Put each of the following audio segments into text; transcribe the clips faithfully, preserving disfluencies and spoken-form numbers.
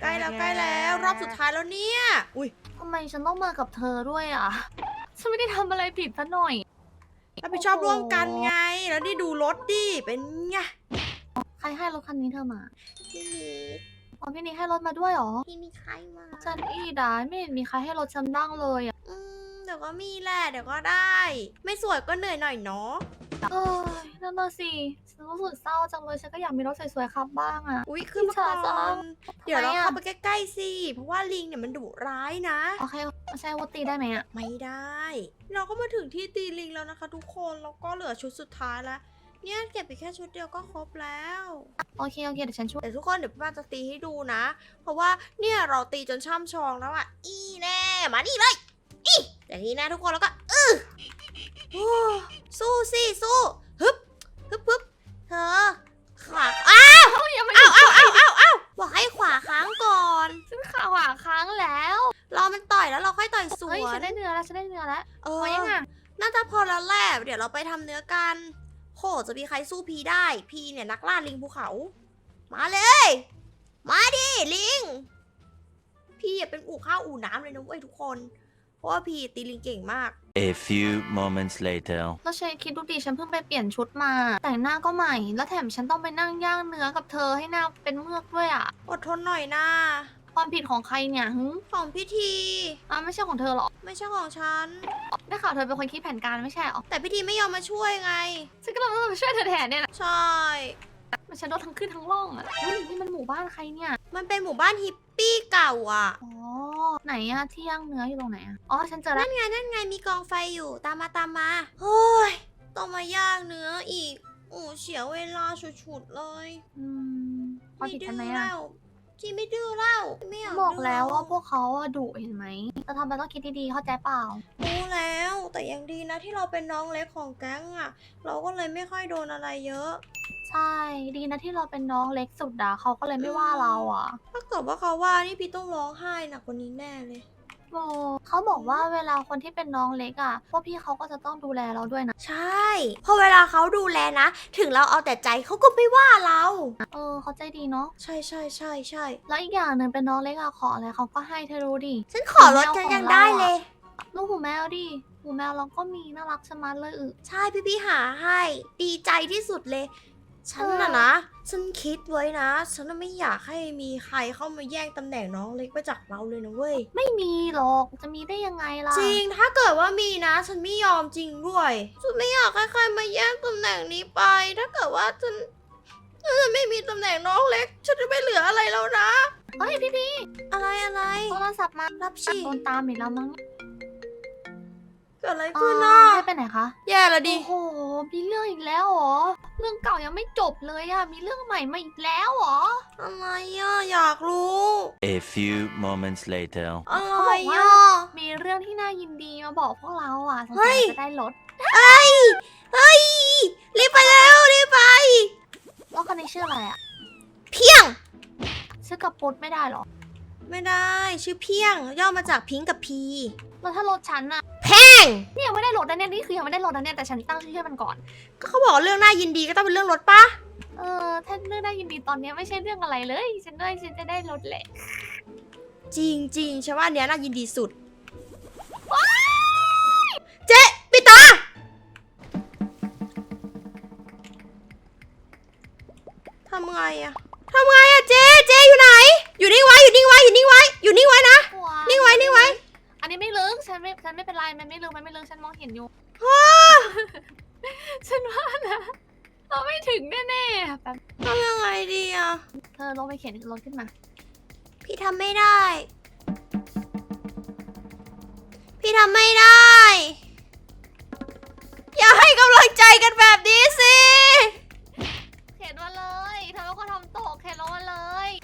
ใกล้แล้วใกล้แล้วรอบสุดท้ายแล้วเนี่ยอุ้ยทำไมฉันต้องมากับเธอด้วยอ่ะ ฉันไม่ได้ทำอะไรผิดซะหน่อยรับผิดชอบร่วมกันไง แล้วนี่ดูรถดิ เป็นไงใครให้รถคันนี้เธอมาพี่นิกอ๋อพี่นี่ให้รถมาด้วยเหรอพี่นิกใครมาฉันอีดาไม่เห็นมีใครให้รถฉันบ้างเลยอ่ะอืมเดี๋ยวก็มีแหละ เดี๋ยวก็ได้ ไม่สวยก็เหนื่อยหน่อยเนาะเอ้ยนั่นน่ะสิ ฉันรู้สึกเศร้าจังเลย ฉันก็อยากมีรถสวยๆขับบ้างอ่ะอุ้ยขึ้นมาก่อิจฉาจัอนงเดี๋ยวเราทำไมอะเข้าไปใกล้ๆสิ เพราะว่าลิงเนี่ยมันดุร้ายนะโอเคไม่ใช่วุตีได้ไหมอ่ะไม่ได้ เราก็มาถึงที่ตีลิงแล้วนะคะ ทุกคน แล้วก็เหลือชุดสุดท้ายแล้ว เนี่ยเก็บไปแค่ชุดเดียวก็ครบแล้วโอเคโอเคเดี๋ยวฉันช่วยแต่ทุกคนเดี๋ยวพี่ป้าจะตีให้ดูนะ เพราะว่าเนี่ยเราตีจนช่ำชองแล้วอะอีแน่มานี่เลย อีแต่ทีนี้นะทุกคนแล้วก็อือโอ้สู้สิสู้ฮึบฮึบฮึบเธอขวาอ้าวเอ้ายังไม่อ้าวอ้าวอ้าวอ้าวอ้าวบอกให้ขวาค้างก่อนฉันขาหวาค้างแล้วรอมันต่อยแล้วเราค่อยต่อยสวเฮ้ยฉันนได้เนื้อแล้วฉันได้เนื้อแล้วเอพออยังอ่ะน่าจะพอแล้วแหละเดี๋ยวเราไปทำเนื้อกันโหจะมีใครสู้พีได้พีเนี่ยนักล่าลิงภูเขา มาเลย มาดิลิง พี่เป็นอู่ข้าวอู่น้ำเลยนะเว้ยทุกคน เพราะว่าพี่ตีลิงเก่งมาก A few moments later. แล้วฉันคิดดูดิฉันเพิ่งไปเปลี่ยนชุดมา แต่งหน้าก็ใหม่ แล้วแถมฉันต้องไปนั่งย่างเนื้อกับเธอให้หน้าเป็นเมือกด้วยอ่ะอดทนหน่อยนะความผิดของใครเนี่ยหึของพี่ทีอ่ะไม่ใช่ของเธอหรอไม่ใช่ของฉันได้ข่าวเธอเป็นคนคิดแผนการไม่ใช่หรอแต่พี่ทีไม่ยอมมาช่วยไงฉันก็เลยต้องมาช่วยเธอแทนเนี่ยนะใช่มันฉันโดนทั้งขึ้นทั้งล่องอ่ะเฮ้ยนี่มันหมู่บ้านใครเนี่ยมันเป็นหมู่บ้านฮิปปี้เก่าอ่ะอ๋อ ไหนอะที่ย่างเนื้ออยู่ตรงไหนอะอ๋อ ฉันเจอแล้วนั่นไงนั่นไงมีกองไฟอยู่ตามมาตามมาโอ้ยต้องมาย่างเนื้ออีกโอ้เสียเวลาฉุดๆเลยอืมความผิดฉันไหมแล้อะวจีไม่ดื้อแล้วไม่อยากบอกแล้วดื้ว่าพวกเขาอะดุเห็นไหมจะทำอะไรต้องคิดดีๆเข้าใจเปล่ารู้แล้วแต่ยังดีนะที่เราเป็นน้องเล็กของแก๊งอ่ะ เราก็เลยไม่ค่อยโดนอะไรเยอะใช่ ดีนะที่เราเป็นน้องเล็กสุดอะเขาก็เลยไม่ว่าเราอะถ้าเกิดว่าเขาว่านี่พี่ต้องร้องไห้หนักกว่านี้แน่เลยโอ้เขาบอกว่าเวลาคนที่เป็นน้องเล็กอะพวกพี่เขาก็จะต้องดูแลเราด้วยนะใช่พอเวลาเขาดูแลนะ ถึงเราเอาแต่ใจเขาก็ไม่ว่าเราเออเขาใจดีเนาะใช่ใช่ใช่ใช่แล้วอีกอย่างหนึ่งเป็นน้องเล็กอะขออะไรเขาก็ให้เธอรู้ดิฉันขอรถฉันยังได้เลยลูกหูแมวดิหูแมวเราก็มีน่ารักชะมัดเลยอึใช่พี่พี่ๆหาให้ ดีใจที่สุดเลย ฉันน่ะเออนะ ฉันคิดไว้นะ ฉันน่ะไม่อยากให้มีใครเข้ามาแย่งตำแหน่งน้องเล็กไปจากเราเลยนะเว้ยไม่มีหรอกจะมีได้ยังไงล่ะจริง ถ้าเกิดว่ามีนะ ฉันไม่ยอมจริงด้วย ฉันไม่อยากให้ใครมาแย่งตำแหน่งนี้ไป ถ้าเกิดว่าฉันฉันไม่มีตำแหน่งน้องเล็ก ฉันจะไม่เหลืออะไรแล้วนะเฮ้ยพี่พี่อะไรอะไรโทรศัพท์มารับชีโดนตามอีกแล้วมั้งเกิดอะไรอ๋อขึ้นน่ะให้ไปไหนคะแย่ละดิโอ้โหมีเรื่องอีกแล้วเหรอเรื่องเก่ายังไม่จบเลยอะมีเรื่องใหม่มาอีกแล้วเหรออะไรอ่ะ อยากรู้ A few moments later. อะไรเขาบอกว่าอ่ะมีเรื่องที่น่ายินดีมาบอกพวกเราอะสงเฮ้สัยยจะได้รถเฮ้ย เฮ้ย รีบไปเร็ว รีบไปรถคันนี้ชื่ออะไรอะเพียงชื่อกับปุ๊ดไม่ได้เหรอไม่ได้ ชื่อเพียง ย่อมาจากพิงค์กับพีแล้วถ้ารถฉันอะแพงเนี่ยยังไม่ได้รถนะเนี่ยนี่คือยังไม่ได้รถนะเนี่ยแต่ฉันตั้งชื่อให้มันก่อนก็เขาบอกเรื่องน่ายินดีก็ต้องเป็นเรื่องรถปะเออถ้าเรื่องน่ายินดีตอนเนี้ยไม่ใช่เรื่องอะไรเลย ฉันด้วยฉันจะได้รถแหละจริงจริงๆฉันว่าอันเนี้ยน่ายินดีสุด เจ๊ปิดตาทำไงอะทำไงอะเจ๊เจ๊อยู่ไหน อยู่นิ่งไว้ อยู่นิ่งไว้ อยู่นิ่งไว้ อยู่นิ่งไว้นะ นิ่งไว้ นิ่งไว้อันนี้ไม่ลึกฉันไม่ฉันไม่เป็นไรมันไม่ลึกมันไม่ลึกฉันมองเห็นอยู่ ฉันว่านะเราไม่ถึงแน่ๆแบบทำยังไงดีอะเธอลงไปเข็นรถขึ้นมาพี่ทำไม่ได้ พี่ทำไม่ได้ อย่าให้กำลังใจกันแบบนี้สิเข็นมาเลยเธอเป็นคนทำตกเข็นลงมาเลย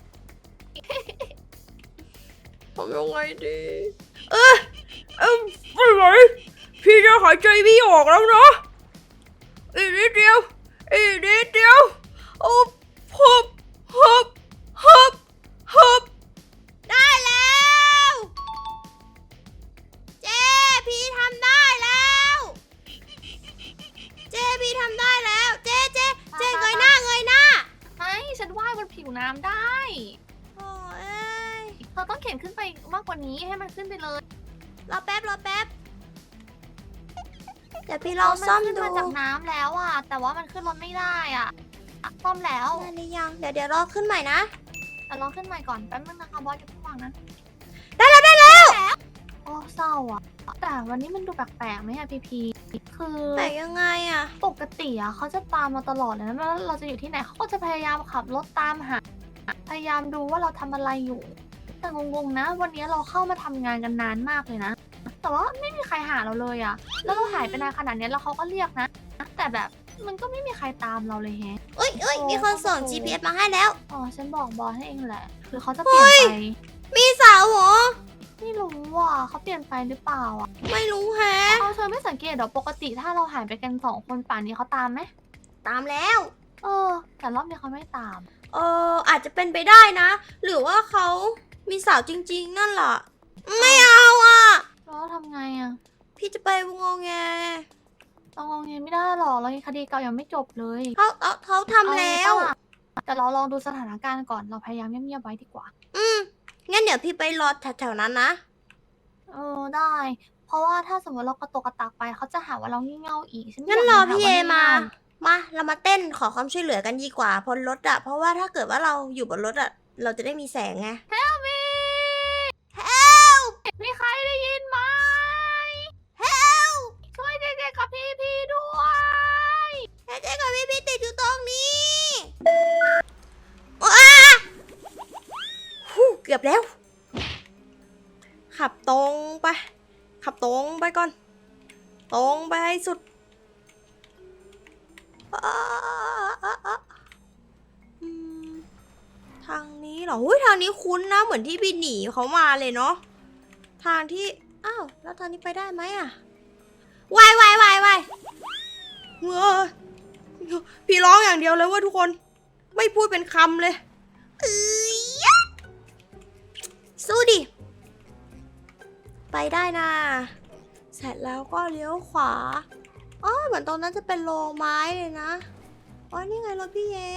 ทำยังไงดี เออเออไม่ไหวพี่จะหายใจไม่ออกแล้วนะอีกนิดเดียวอีกนิดเดียวโอ้ฮึบฮึบฮึบฮึบได้แล้วเจ๊พี่ทำได้แล้วเจ๊พี่ทำได้แล้วเจ๊เจ๊เจ๊เงยหน้าเงยหน้าไม่ฉันว่ายบนผิวน้ำได้โอ้เอ้ยอต้องเข็นขึ้นไปมากกว่านี้ให้มันขึ้นไปเลยรอแป๊บรอแป๊บเดี๋ยวพี่ลองซ่อมนขึ้นดูมาจากน้ำแล้วอ่ะ แต่ว่ามันขึ้นรถไม่ได้อ่ะอ่ะซ่อมแล้วได้หรือยังเดี๋ยวเดี๋ยวรอขึ้นใหม่นะแต่ลองขึ้นใหม่ก่อนแป๊บนึงนะคะบอสอย่าเพิ่งวางนะได้แล้วได้แล้วโอ้เศร้าอ่ะ แต่วันนี้มันดูแปลกๆไหมอะพีพีคือแต่ยังไงอะปกติอะเขาจะตามมาตลอดเลยนะไม่ว่าเราจะอยู่ที่ไหนเขาก็จะพยายามขับรถตามหา พยายามดูว่าเราทำอะไรอยู่ แต่งงๆนะ วันนี้เราเข้ามาทำงานกันนานมากเลยนะ แต่ว่าไม่มีใครหาเราเลยอะแล้วเราหายไปนานขนาดนี้แล้วเขาก็เรียกนะ แต่แบบมันก็ไม่มีใครตามเราเลยแฮะเอ้ยเอ้ยมีคนส่ง จี พี เอส มาให้แล้วอ๋อฉันบอกบอสให้เองแหละหรือเขาจะเปลี่ยนไปมีสาวเหรอไม่รู้ว่าเขาเปลี่ยนไปหรือเปล่าอ่ะไม่รู้แฮะเอาเธอไม่สังเกตเหรอปกติถ้าเราหายไปกันสองคนป่านนี้เขาตามไหมตามแล้วเออ แต่รอบนี้เขาไม่ตามเอออาจจะเป็นไปได้นะ หรือว่าเขามีสาวจริงๆ นั่นล่ะ ไม่เอาอ่ะแล้วทำไงอ่ะพี่จะไปงงแงเรางงเงินไม่ได้หรอกเรายังคดีเก่ายังไม่จบเลยเขาเขาเขาทำแล้วเอาไงปะแต่เราลองดูสถานการณ์ก่อนเราพยายามเงียบๆไว้ดีกว่าอืมงั้นเดี๋ยวพี่ไปรอแถวๆนั้นนะเออได้ เพราะว่าถ้าสมมติเรากระตกกระตากไปเขาจะหาว่าเรางี่เง่าอีกฉันไม่งั้นยากรอโดนหพี่เอว่งี่มาเง่มา เรามาเต้นขอความช่วยเหลือกันดีกว่าบนรถอะเพราะว่าถ้าเกิดว่าเราอยู่บนรถอะเราจะได้มีแสงไง Help me Help มีใครได้ยินไหม Help ช่วยเด็กๆกับพี่พี่ด้วยเจ๊กับพี่พี่ติดอยู่ตรงนี้ว้าฮู้เกือบแล้ว ขับตรงไป ขับตรงไปก่อน ตรงไปให้สุดอ่าอ่าอ่าอืมทางนี้เหรอหุ้ยทางนี้คุ้นนะ เหมือนที่พี่หนีเขามาเลยเนาะ ทางที่ อ้าว แล้วทางนี้ไปได้ไหมอะวายวายวายวายเงอพี่ร้องอย่างเดียวเลยว่าทุกคน ไม่พูดเป็นคำเลยเอ้ยสู้ดิ ไปได้นะเสร็จแล้วก็เลี้ยวขวาอ๋อเหมือนตรงนั้นจะเป็นโรงไม้เลยนะอ๋อนี่ไงรถพี่เย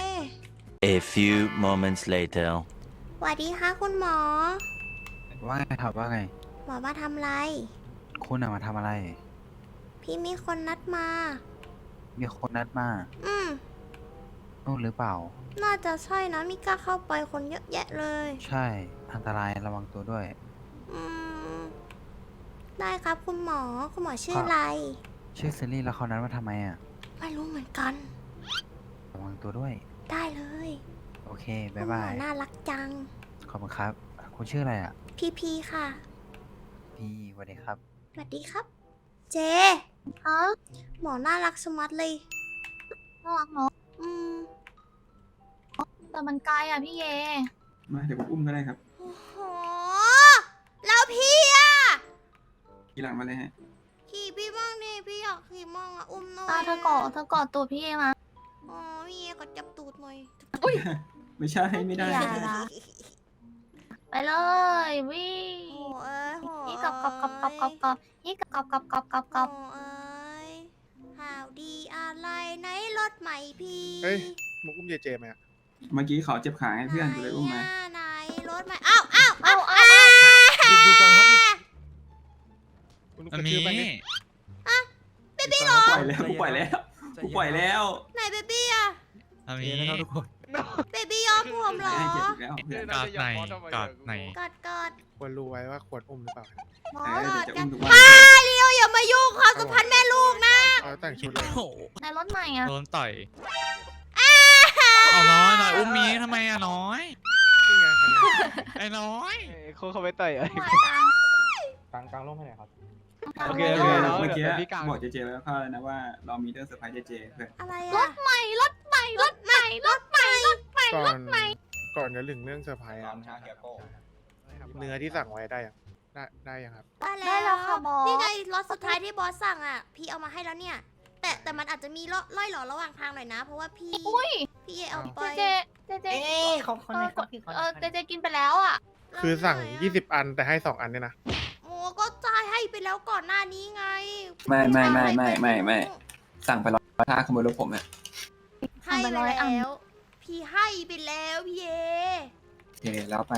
A few moments later. สวัสดีค่ะคุณหมอว่าไงครับว่าไงหมอมาทำอะไรคุณอะมาทำอะไรพี่มีคนนัดมามีคนนัดมาอืมนู่นหรือเปล่าน่าจะใช่นะมิกล้าเข้าไปคนเยอะแยะเลยใช่ อันตรายระวังตัวด้วยอืม ได้ครับคุณหมอ คุณหมอชื่อครับอะไรชื่อซิลลี่แล้วเขานัดมาทำไมอะไม่รู้เหมือนกันระวังตัวด้วยได้เลยโอเคคุบ๊าณยหมบาอย น่ารักจังขอบคุณครับ คุณชื่ออะไรอะพี่พีค่ะพี่สวัสดีครับสวัสดีครับ เจฮะหมอน่ารักสมัดเลยน่ารักเนาะอืมแต่มันไกลอ่ะพี่เยมาเดี๋ยวผมอุ้มก็ได้ครับโอ้โห แล้วพี่อะทีหลังมาเลยฮะขี่พี่มั่งดิพี่อยากขี่มั่งอะอุ้มหน่อยตาเธอกอดเธอกอดตัวพี่เยมาอ๋อพี่เอก็จับตูดหน่อยไม่ใช่ไม่ได้อย่าละ ไปเลยวิ่งโอ้เอ้ยโอ้นี่กับกับกับกับกับกับนี่กับกับกับกับกับกับโอ้เอ้ยข่าวดีอะไรในรถใหม่พี่เฮ้ย มึงอุ้มเจเจไหมอะเมื่อกี้เขาเจ็บขาให้เพื่อนกูเลยอุ้มมาไหนอะไหนรถใหม่อ้าวอ้าวเอาเอาดูดูก่อนครับคุณกอันระชืนี้อไปนี่เบบี้เหรอปล่อยแล้วกูปล่อยแล้วกูปล่อยแล้วไหนเบบี้อะอันนี้นะครับทุกคนเบบี้ยอมผมเหรอให้เจ็บอีกแล้วเพื่อนกอดไหนกอดไหนกอดกอดควรรู้ไว้ว่าควรอุ้มหรือเปล่าบอเอสอเดี๋ยวจะอุ้มทุกวันป้าเลียวอย่ามายุ่งความสัมพันธ์แม่ลูกนะเอาแต่งชุดเลยโอ้โหในรถใหม่อ่ะโดนต่อยเอาน้อยน้อยอุ้มมีทำไมอะน้อยนี่ไงคันนี้ไอ้น้อยเขาเขาไปต่อยเอ้ยมาจังกลางกลางร่มให้หน่อยครับจังโอเคเลยโอเคอะเนาะเมื่อกี้เดี๋ยวพี่กลางบอกเจเจแล้วเข้าแล้วนะว่าเรามีเรื่องเซอร์ไพรส์เจเจเพื่อนอะไรรอะถใหม่รถใหม่รถใหม่รถใหม่รถใหม่ก่รอนถใหม่ก่อนจะถึงเรื่องเซอร์ไพรส์อะเนื้อที่สั่งไว้ได้ยังได้ได้ยังครับได้แล้วนี่ไงรถสุดท้ายที่บอสสั่งอ่ะ พี่เอามาให้แล้วเนี่ย แต่แต่มันอาจจะมีล่อล่อยหลอระหว่างทางหน่อยนะ เพราะว่าพี่อุ้ยพี่เอเอาไปเจเจเจเจเอ้ยของคนเอไหนอครับพี่คนเออเจเจกินไปแล้วอ่ะคือสั่ง ยี่สิบ อันแต่ให้สองอันเนี่ยนะโอ้ก็จ่ายให้ไปแล้วก่อนหน้านี้ไงไม่ไม่ไม่ไม่ไม่ไม่ สั่งไปร้อยถ้าขโมยรถผมเนี่ยให้ไปแล้ว พี่ให้ไปแล้วพี่เอโอเคแล้วไปโ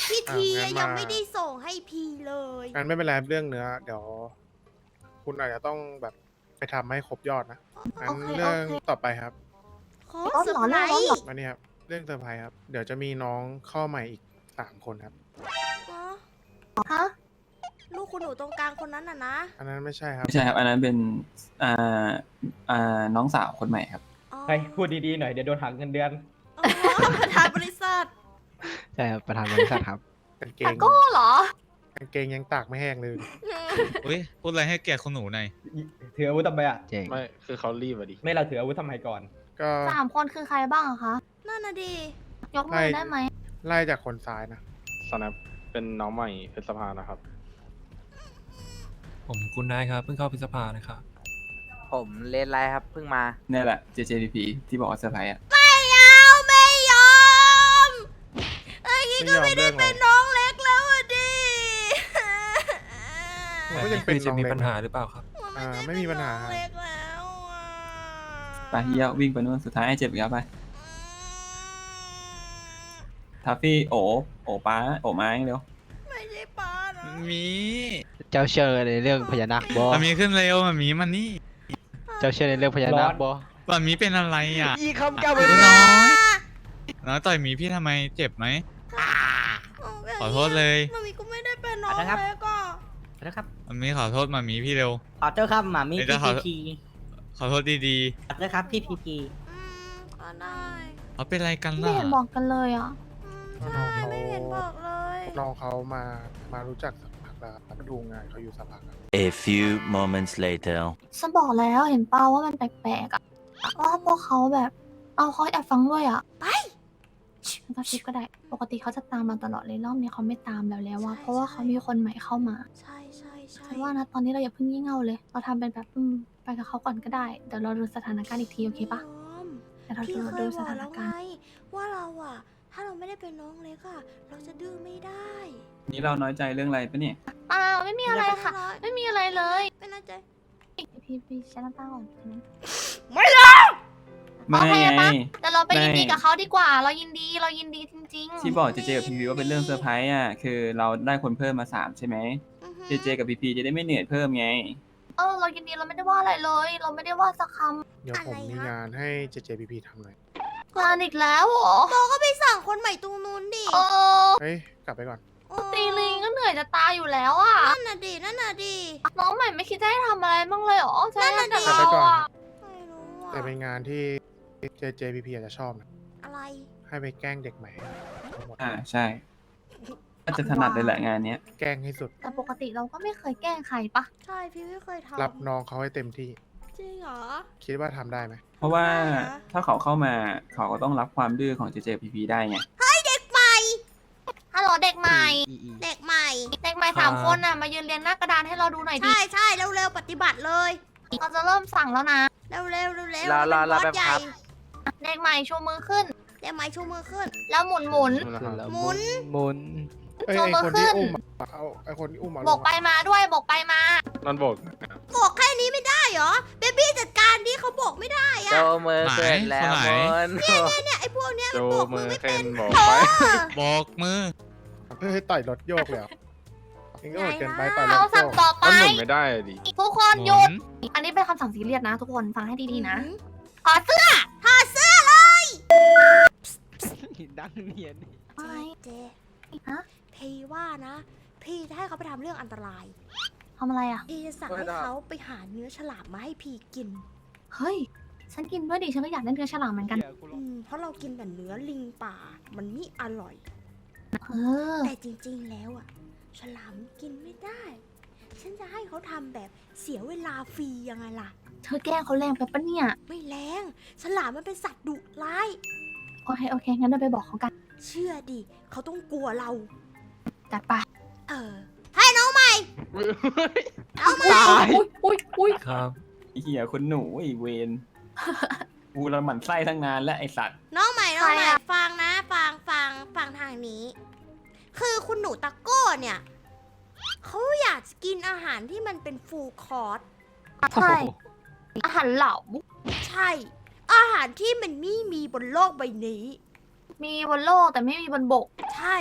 พี่อ่ะทีงั้นยังมาไม่ได้ส่งให้พี่เลยงั้นไม่เป็นไรเรื่องเนื้อ เดี๋ยว คุณอาจจะต้องแบบไปทำให้ครบยอดนะงั้นโอเคเรื่องโอเคต่อไปครับขอรถเซอเหรอร์ไพรเรื่องรถส์เหรอมานี่ครับ เรื่องเซอร์ไพรส์ครับ เดี๋ยวจะมีน้องเข้าใหม่อีกสามคนครับฮะลูกคุณหนูตรงกลางคนนั้นน่ะนะอันนั้นไม่ใช่ครับไม่ใช่ครับ อันนั้นเป็นอ่าอ่าน้องสาวคนใหม่ครับอ๋อเฮ้ยพูดดีๆหน่อยเดี๋ยวโดนหักเงินเดือนอ๋อประธานบริษัทใช่ครับประธานบริษัทครับกางเกตาง โก้เหรอกางเกงยังตากไม่แห้งเลยอุ้ยพูดอะไรให้เกียรติคุณหนูหน่อยถืออาวุธทำไมอ่ะเจ๋งไม่คือเขารีบอะดิไม่เราถืออาวุธทำไมก่อนก็สามคนคือใครบ้างอะคะนั่นน่ะดียกมือได้ไหมไล่จากคนซ้ายนะสแนปเป็นน้องใหม่เพชรสภานะครับผมคุณนายครับ เพิ่งเข้าพฤษภานะครับผมเลนไลครับเพิ่งมานี่แหละ เจ เจ พี พี ที่บอกว่าเซอร์ไพรส์อ่ะไม่เอาไม่ยอมไอ้นี่ไม่ก็ยอมไม่ได้เรื่องอะไรเป็นน้องเล็กแล้วอะดิมันแบบก็ยันี้งเป็คืนอจะน้องมีเล็กปัญหาหรือเปล่าครับอ่าไม่มีปัญหาน้องเล็กแล้วอะไปเฮียวิ่งไปนู่นสุดท้ายไอ้เจ็บอีกแล้วไป ทัฟฟี่โอโอป้าโอไม้เร็วไม่ใช่ป้านะมีเจ้าเชื่อในเรื่องพญานาคบอมันมีขึ้นเร็วมันมีมันนี่เจ้าเชื่อในเรื่องพญานาคบอมันมีเป็นอะไรอ่ะอีคำเก่าน้อยน้อยต่อยหมีพี่ทำไมเจ็บไหม ขอโทษเลยมันมีก็ไม่ได้เป็นน้องเล็กอ่ะนะครับมันมีขอโทษมามีพี่เร็วขอโทษครับหมามีเดี๋ยวจะขอ ขอโทษดีขอโทษครับพี่พีพีอืมก็ได้ๆเขาเป็นอะไรกันไม่ล่ะเห็นบอกกันเลยอ่ะอืมใช่ไม่เห็นบอกเลยน้องเขามา มารู้จักสักพักแล้วครับมาดูงานเขาอยู่สักพักครับ A few moments later. ฉันบอกแล้วเห็นเปล่าว่ามันแปลกๆอ่ะว่าพวกเขาแบบ เอาเขาแอบฟังด้วยอ่ะไปกระซิบก็ได้ ปกติเขาจะตามเราตลอดเลยรอบนี้เขาไม่ตามแล้วแล้วว่าเพราะว่าเขามีคนใหม่เข้ามาใช่ใช่ใช่ฉันว่านะตอนนี้เราอย่าเพิ่งงี่เง่าเลย เราทำเป็นแบบอืมไปกับเขาก่อนก็ได้ เดี๋ยวเราดูสถานการณ์อีกทีโอเคปะน้องเดี๋ยวเราพี่ดูเคดูยสบอกถานแล้วไงการณ์ว่าเราอ่ะ ถ้าเราไม่ได้เป็นน้องเล็กอ่ะ เราจะดื้อไม่ได้นี่เราน้อยใจเรื่องอะไรปะเนี่ยเปล่าไม่มีอะไรค่ะ ไม่มีอะไรเลยไม่น่าใจพี่พี่ฉันน้ำตาก่อนนะไม่ละไม่โอเคไงปะ แต่เราไปยินดีไม่กับเขาดีกว่า เรายินดีเรายินดีจริงๆที่บอกเจเจกับพีพีว่าเป็นเรื่องเซอร์ไพรส์อ่ะ คือเราได้คนเพิ่มมาสามใช่ไหมอือหือเจเจกับพีพีจะได้ไม่เหนื่อยเพิ่มไงเออเรายินดีเราไม่ได้ว่าอะไรเลย เราไม่ได้ว่าสักคเดี๋ยวผมมีงานให้ เจ เจ พี พี ทำหน่อยำงานอีกแล้วเหรอโมก็ไปสั่งคนใหม่ตรงนู้นดิเออเฮ้ย กลับไปก่อนโอ้ตีลิงก็เหนื่อยจะตายอยู่แล้วอ่ะนั่นน่ะดินั่นน่ะดิน้องใหม่ไม่คิดจะให้ทำอะไรบ้างเลยเหรอใช่นั่นน่ะแต่ดิเรากลับไปก่อนอ่ะไม่รู้อ่ะแต่เป็นงานที่ เจ เจ พี พี อาจจะชอบนะอะไรให้ไปแกล้งเด็กใหม่ทั้งหมดอ่าใช่น่าจะถนัดเลยแหละงานเนี้ยแกล้งให้สุดแต่ปกติเราก็ไม่เคยแกล้งใครปะใช่พี่ไม่เคยทำรับน้องเขาให้เต็มที่จริงเหรอคิดว่าทำได้ไหมเพราะว่าทำไมอะถ้าเขาเข้ามาเขาก็ต้องรับความดื้อของเจเจพีพีได้ไงเด็กใหม่ฮัลโหลเด็กใหม่เด็กใหม่เด็กใหม่สามคนน่ะมายืนเรียงหน้ากระดานให้เราดูหน่อยดิใช่ใช่เร็วๆปฏิบัติเลยเราจะเริ่มสั่งแล้วนะเร็วๆเร็วๆเร็วรอรอรอเป็นบสแป๊บครับใหญ่เด็กใหม่ชูมือขึ้นเด็กใหม่ชูมือขึ้นแล้วหมุนหมุนหมุนหมุนเอ้ยโชว์ไอมือคนที่ขึ้นอุ้มอะเอาไอคนที่อุ้มมาบอกไปมาด้วยบอกไปมานั่นบอกบอกแค่นี้ไม่ได้เหรอ เบบี้จัดการดิเขาบอกไม่ได้อะโจมือขึ้นแล้วไหนหมุนเนี่ยไอ้พวกเนี้ยโจมันบอกมืมืออไม่เส้เป็นนบอกเอไปอบอกมือเฮ้ยต่อยรถโยกเลยเหรอเองก็โหดเกินไปต่อยรเอาถโยสั่งกต่อไปมันหมุนไม่ได้อะดิทุกคนหหยุมุดนอันนี้เป็นคำสั่งซีเรียสนะ ทุกคนฟังให้ดีๆนะหืมขอเสื้อถอดเสื้อเลยดังเนียนอะไรเจฮะพี่ว่านะ พี่จะให้เขาไปทำเรื่องอันตรายทำอะไรอ่ะพี่จะสั่งให้เขาไปหาเนื้อฉลามมาให้พี่กินเฮ้ย ฉันกินด้วยดิ ฉันก็อยากได้เนื้อฉลามเหมือนกันอืมเพราะเรากินแต่เนื้อลิงป่า มันไม่อร่อยเออแต่จริงๆ แล้วอะฉลามกินไม่ได้ ฉันจะให้เขาทำแบบเสียเวลาฟรียังไงล่ะเธอแกล้งเขาแรงไปปะเนี่ยไม่แรง ฉลามมันเป็นสัตว์ดุร้ายโอเค โอเค งั้นเราไปบอกเขากันเชื่อดิ เขาต้องกลัวเราจัดไปเออ ให้น้องใหม่ น้องใหม่อุ้ยอุ้ยอุ้ยครับไอ้เหี้ยคุณหนูไอ้เวน กูเราหมั่นไส้ทั้งงานและไอสัตว์น้องใหม่ น้องใหม่ใครอะฟังนะ ฟังฟังฟังทางนี้ คือคุณหนูตะโก้เนี่ย เขาอยากกินอาหารที่มันเป็นฟูลคอร์สใช่ อาหารเหลาใช่ อาหารที่มันไม่มีบนโลกใบนี้มีบนโลกแต่ไม่มีบนบกใช่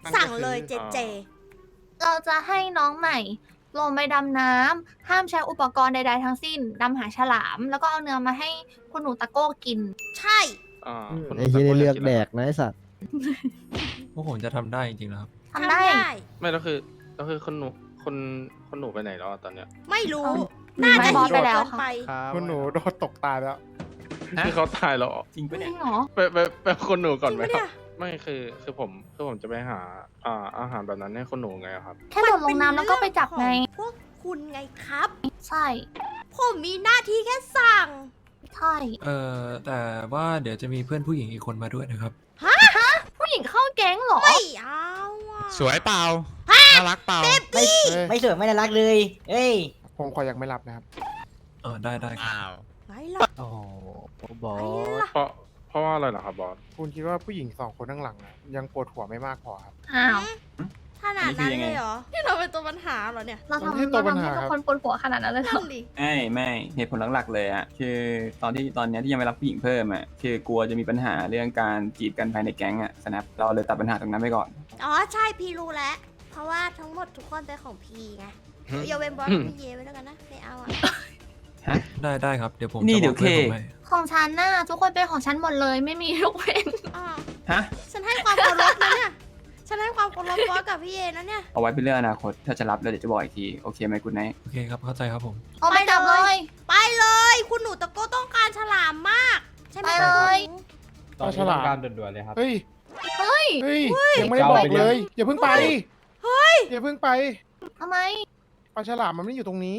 สั่งเลยเจเจเราจะให้น้องใหม่ลงไปดำน้ำห้ามใช้อุปกรณ์ใดๆทั้งสิ้นดำหาฉลาม แล้วก็เอาเนื้อมาให้คุณหนูตะโก้กินใช่อ่าคุณไอ้ที่ได้เลือกแดกนะไอสัตว์พวกผมจะทำได้จริงๆนะครับทำได้ไม่แล้วคือแล้วคือคนหนูคนคนหนูไปไหนแล้วอะตอนเนี้ยไม่รู้หนีน่าไม่จะบอหิสวไปแล้วเกินค่ะไปคุณหนูโดนตกตายแล้วคือเขาตายแล้วเหรอจริงจปะริเนี่ยงเหรอไปไปไปเอาคนหนูก่อนไหมจริงปะคเนี่รับยไม่คือคือผมคือผมจะไปหาอ่าอาหารแบบนั้นให้คนหนูไงครับแค่โดดลงน้ำแล้วก็ไปจับไงพวกคุณไงครับใช่ผมมีหน้าที่แค่สั่งใช่เอ่อ แต่ว่าเดี๋ยวจะมีเพื่อนผู้หญิงอีกคนมาด้วยนะครับผู้หญิงเข้าแก๊งเหรอไม่เอาอะสวยเปล่า น่ารักเปล่าไม่ไม่สวยไม่น่ารักเลย เอ้ยผมขอยังไม่รับนะครับเออได้ได้ครับอ้าวไงล่ะโอ้โหบอไงสล่ะเพราะเพราะว่าอะไรเหรอครับบอสคุณคิดว่าผู้หญิงสองคนข้างหลังอะยังปวดหัวไม่มากพอครับอ้าวขนาดนั้นเลยเหรอที่เราเป็นตัวปัญหาเหรอเนี่ยเรามันไม่ทำใช่ตัเราวปัญทำหาให้ทุครักบคนปวดหัวขนาดนั้นเลยเหรนั่อนดิไม่ไม่เหตุผลหลักๆเลยอ่ะคือตอนที่ตอนเนี้ยที่ยังไม่รับผู้หญิงเพิ่มอ่ะคือกลัวจะมีปัญหาเรื่องการจีบกันภายในแก๊งอ่ะสแนปเราเลยตัดปัญหาตรงนั้นไปก่อนอ๋อใช่พี่รู้แล้ว เพราะว่าทั้งหมดทุกคนเป็นของพี่ไงยกเว้นบอสกับพี่เยไว้แล้วกันนะไม่เอาอ่ะได้ได้ครับ เดี๋ยวผมนี่จะเดี๋บยอวกเพื่อนเคผมให้ของฉันน่ะทุกคนเป็นของฉันหมดเลยไม่มียกเว้นอ่าฮะฉันให้ความเคารพนะเนี่ย ฉันให้ความเคารพบอสกับพี่เยนะเนี่ยเอาไว้เป็นเรื่องอนาคตถ้าจะรับแล้วเดี๋ยวจะบอกอีกทีโอเคไหมคุณไนท์โอเคครับ เข้าใจครับผมเอาไปจับเลยไปเลย คุณหนูตะโก้ต้องการฉลามมาก ใช่ไหมไปเลยตอนฉลามการด่วนๆเลยครับเฮ้ยเฮ้ยเฮ้ย ยังไม่ได้บอกเลย อย่าเพิ่งไปเฮ้ยอย่าเพิ่งไปทำไมปลาฉลามมันไม่ได้อยู่ตรงนี้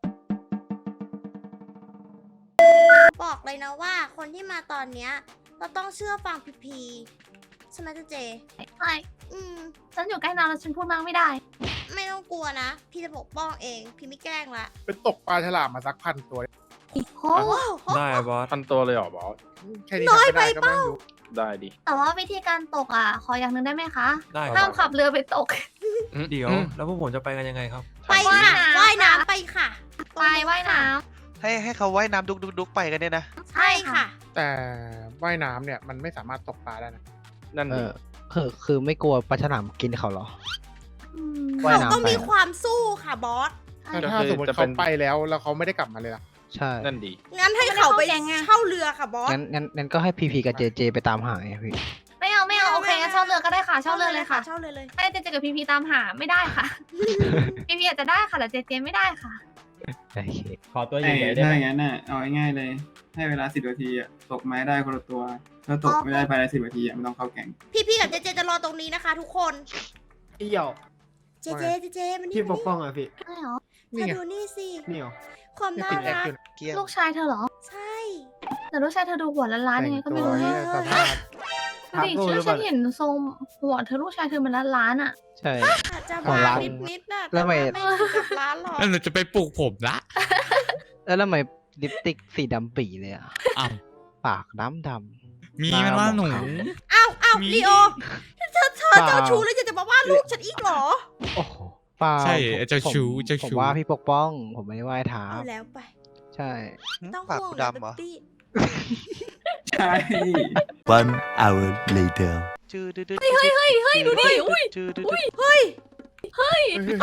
บอกเลยนะว่าคนที่มาตอนเนี้ยเราต้องเชื่อฟังพีพีใช่ไหมเจ๊เจใช่อืมฉันอยู่ใกล้น้ำแล้วฉันพูดมากไม่ได้ไม่ต้องกลัวนะ พี่จะปกป้องเอง พี่ไม่แกล้งละเป็นตกปลาฉลามมาสักพันตัวโอ้ว้าวได้บอสพันตัวเลยเหรอบอสแค่นี้ทำไม่ได้ก็ไม่รู้ได้ดิแต่ว่าวิธีการตกอ่ะ ขออย่างหนึ่งได้ไหมคะได้คห้ารัมบขับเรือไปตกเดี๋ยว แล้วพวกผมจะไปกันยังไงครับไปค่ะว่ายน้ำว่ายน้ำไปค่ะไปว่ายน้ให้ให้เขาว่ายน้ำดุกดุกดุกไปกันเนี่ยนะำใช่ค่ะแต่ว่ายน้ำเนี่ยมันไม่สามารถตกปลาได้นะนั่นดิคือคือไม่กลัวปลาฉลามกินเขาเหรออืมว่ายเขาน้ำต้องมีไปความสู้ค่ะบอสถ้าถ้าสมมติเขาไปแล้วแล้วเขาไม่ได้กลับมาเลยล่ะใช่นั่นดีงั้นให้เขาไปเช่าเรือค่ะบอสงั้นงั้นงั้นก็ให้พีพีกับเจเจไปตามหาไงพี่ไม่เอาไม่เอาโอเคงั้นเช่าเรือก็ได้ค่ะ เช่าเรือเลยค่ะเช่าเรือเลยให้เจเจกับพีพีตามหาไม่ได้ค่ะ พีพีอาจจะได้ค่ะแต่เจเจไม่ได้ค่ะโอเคขอตัวไอ้ใหญ่ๆได้ถ้าไหมอย่างนั้นน่ะเอาง่ายๆเลย ให้เวลาสิบนาทีอะตกไม้ได้คนละตัว ถ้าตกไม่ได้ภายในสิบนาทีอะไม่ต้องเข้าแก๊งพี่พี่กับเจเจจะรอตรงนี้นะคะ ทุกคนเอี่ยวเจเจเจเจมันนี่พี่ปกป้องอ่ะพี่ใช่เหรอเธอดูนี่สินี่เหรอความยังน่าติดแอครักอยู่นะเกี้ยงลูกชายเธอเหรอใช่แต่ลูกชายเธอดูหัวล้านๆยังไงก็ไม่รู้แต่งเนี่ยตัวเนี่ยสภาพดูดิฉันฉันเห็นทรงหัวเธอลูกชายเธอมันล้านๆอ่ะใช่อาจจะหัวมาล้านนิดนิดๆน่ะแล้วทำไมต่ไม่ถึงกับร้านหรอกแล้วเราจะไปปลูกผมละแล้วทำไมลิปสติกสีดำปีเลยอ่ะอ้าวปากดำดมีมันว่าหนูอ้าวอ้าวมีลีโอเธอเธอเจ้าชู้แล้วยังจะมาว่าลูกฉันอีกเหรอำโอ้โหเปล่าใช่ผมเจ้าชู้ผมเจ้าผมชู้ว่าพี่ปกป้อง ผมไม่ได้ว่าให้ถามเอาแล้วไปใช่ต้องปากห่วงกูนะดำเหรอตี้ใช่ One hour later. จืดดืดดืดเฮ้ยเฮ้ยเฮ้ยเฮ้ยดูดิอุ้ยจืดดืดอุ้ดืยดเฮ้ยเฮ้ย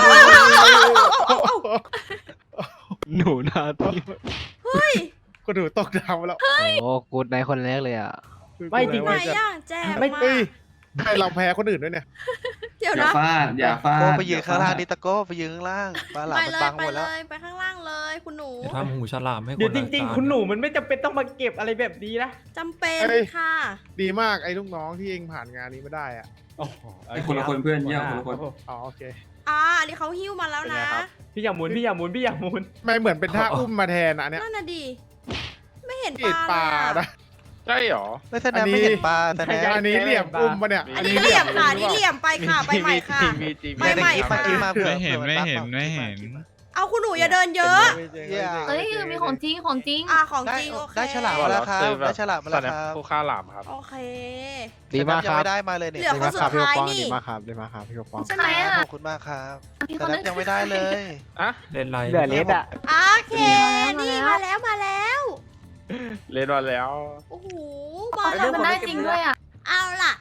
หนูนาที่เฮ้ยก็ดูตกดาวแล้วโอ้กูดในคนแรกเลยอ่ะไม่จริงไหนอ่ะแจมไม่มาเอ้ยให้เราแพ้คนอื่นด้วยเนี่ยเดี๋ยวอย่านะฟาด อย่าฟาโก้ดไปยืนข้างล่างนี่ตะโก้ไปยืนข้างล่างปลาหลามไปมันเลยบังไปหมดเลแล้วยไปข้างล่างเลยคุณหนูจะทำหูฉลามให้คนเดี๋ยวจริงละๆ คุณหนูมันไม่จำเป็นต้องมาเก็บอะไรแบบนี้นะจำเป็นเอ้ยค่ะดีมากไอ้ลูกน้องที่เองผ่านงานนี้ไม่ได้อ่ะโอ้โหไอ้คนละคนเพื่อนเยี่ยมคนละคนอ๋อโอเคอ่าอันนี้เขาหิ้วมาแล้วนะพี่อย่าหมุนพี่อย่าหมุนพี่อย่าหมุนไม่เหมือนเป็นท่าอุ้มมาแทนอะอันเนี้ยนั่นน่ะดิไม่เห็นเห็นปปลาลาเลยนะอะใช่เหรอไม่แสดงไม่เห็นปลาแต่แน่อันนี้เหลี่ยมอุ้มมาเนี่ยอันนี้เหลี่ยมค่ะอันนี่เหลี่ยมไปค่ะไปใหม่ค่ะมีจริงไปใหม่คลิปค่ะมาคลิปมาเผื่อไม่เห็นผื่อไม่เห็นบั๊กไม่เห็นเอาคุณหนูอย่าเดินเยอะเฮ้ยมีของจริงของจริงอ่าของได้จริงโอเคได้ฉลามมาแล้วครับได้ฉลามมาแล้วสแนปครับผู้ฆ่าหลามครับโอเคดีมากยัคงรับไม่ได้มาเลยเนี่ยเหลือดีมากครับพี่ปกป้องคนสุดท้ายนี่ดีมากครับดีมากครับพี่ปกป้องใช่ไหมอ่ะขอบคุณมากครับมีคแต่นนันึบงยังไม่ได้เลยอะเล่นไรเหลือเลสอ่ะโอเค นี่มาแล้วมาแล้วเล่นมาแล้วโอ้โหเขาทำมันได้จริงด้วยอ่ะเอาล่ะ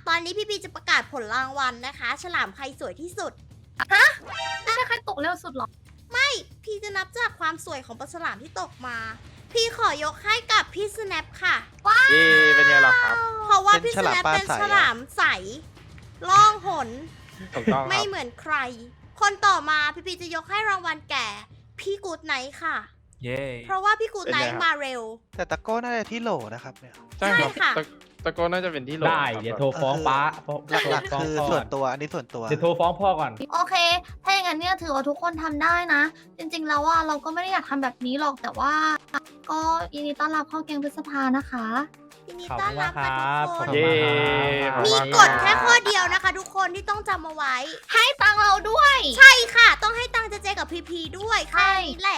ตอนนี้พี่พีจะประกาศผลรางวัลนะคะ ฉลามใครสวยที่สุดไม่ใช่ใครตกเร็วสุดหรอไม่พี่จะนับจากความสวยของปลาฉลามที่ตกมา พี่ขอยกให้กับพี่สแนปค่ะเย่เป็นไงล่ะครับเพราะว่าพี่สแนปเป็นฉลามใสล่องหนถูกต้องคไม่รับเหมือนใคร คนต่อมาพี่พีจะยกให้รางวัลแก่ พี่กูดไนท์ค่ะเย้เพราะว่าพี่กูดไนเป็นท์ไงครับมาเร็วแต่ตะโก้น่าจะที่โหลนะครับเนี่ยใช่ครับใช่ค่ะตะตะโกนน่าจะเป็นที่โหลได้ครับเดี๋ยวโทรฟ้องป้าฟ้องหลักๆคือฟ้งพ่ส่วนตัว อันนี้ส่วนตัวเดี๋ยวโทรฟ้องพ่อก่อนโอเค ถ้าอย่างนั้นเนี่ยถือว่าทุกคนทำได้นะ จริงๆ แล้วว่าเราก็ไม่ได้อยากทำแบบนี้หรอก แต่ว่า ก็ยินดีต้อนรับเข้าแกงพฤษภานะคะยินดีขอบต้อคุนณรัมาบกคค่ะรัทุบกคนเย่ขอบมีคุณกฎแค่ข้อเดียวนะคะ ทุกคนที่ต้องจำเอาไว้ให้ตังค์เราด้วยใช่ค่ะ ต้องให้ตังค์เจเจกับพีพีด้วยแค่นี้แหละ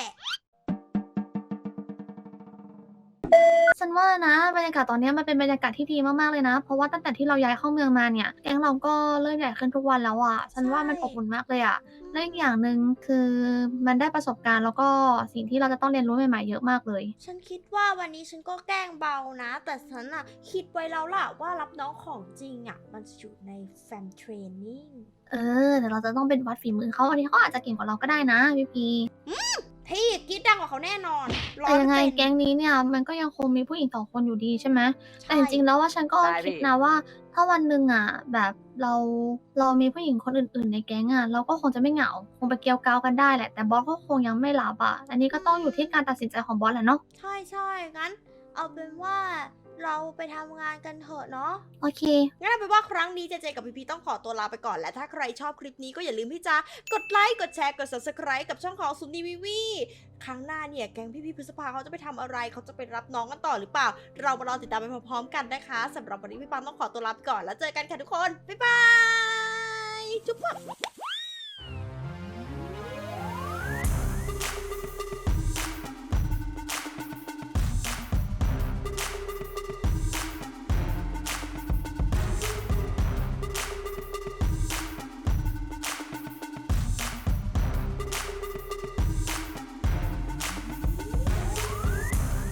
ฉันว่านะบรรยากาศตอนนี้มันเป็นบรรยากาศที่ดีมากๆเลยนะ เพราะว่าตั้งแต่ที่เราย้ายเข้าเมืองมาเนี่ยแก๊งเราก็เริ่มใหญ่ขึ้นทุกวันแล้วอ่ะ ฉันว่ามันอบอุ่นมากเลยอ่ะและอีกอย่างหนึ่งคือมันได้ประสบการณ์แล้วก็สิ่งที่เราจะต้องเรียนรู้ใหม่ๆเยอะมากเลยฉันคิดว่าวันนี้ฉันก็แกล้งเบานะ แต่ฉันอะคิดไว้แล้วล่ะว่ารับน้องของจริงอะมันจะอยู่ในแฟมเทรนนิ่งเออแต่เราจะต้องเป็นวัดฝีมือเขาอันนี้เขาอาจจะเก่งกว่าเราก็ได้นะพี่พีพี่กรีดดังกว่าเขาแน่นอนแต่ยังไงร้อยเปอร์เซ็นต์แก๊งนี้เนี่ยมันก็ยังคงมีผู้หญิงสองคนอยู่ดีใช่ไหมใช่แต่จริงๆแล้วว่าฉันก็ได้คิดพี่นะว่า ถ้าวันหนึ่งอ่ะ แบบเราเรามีผู้หญิงคนอื่นๆในแก๊งอ่ะเราก็คงจะไม่เหงา คงไปเกี่ยวกาวกันได้แหละ แต่บอสก็คงยังไม่รับอ่ะ อันนี้ก็ต้องอยู่ที่การตัดสินใจของบอสแหละเนาะใช่ใช่งั้น เอาเป็นว่าเราไปทำงานกันเถอะเนาะโอเคงั้นเอาเป็นว่าครั้งนี้เจเจกับพีพีต้องขอตัวลาไปก่อน และถ้าใครชอบคลิปนี้ก็อย่าลืมที่จะกดไลค์ กดแชร์ กด ซับสไครบ์ กับช่องของซุนนีวีวีครั้งหน้าเนี่ย แก๊งพี่ๆพฤษภาเขาจะไปทำอะไร เขาจะไปรับน้องกันต่อหรือเปล่า เรามารอติดตามไปพร้อมๆกันนะคะสำหรับวันนี้พี่ปามต้องขอตัวลาไปก่อน แล้วเจอกันค่ะทุกคน บ๊ายบาย จุ๊บ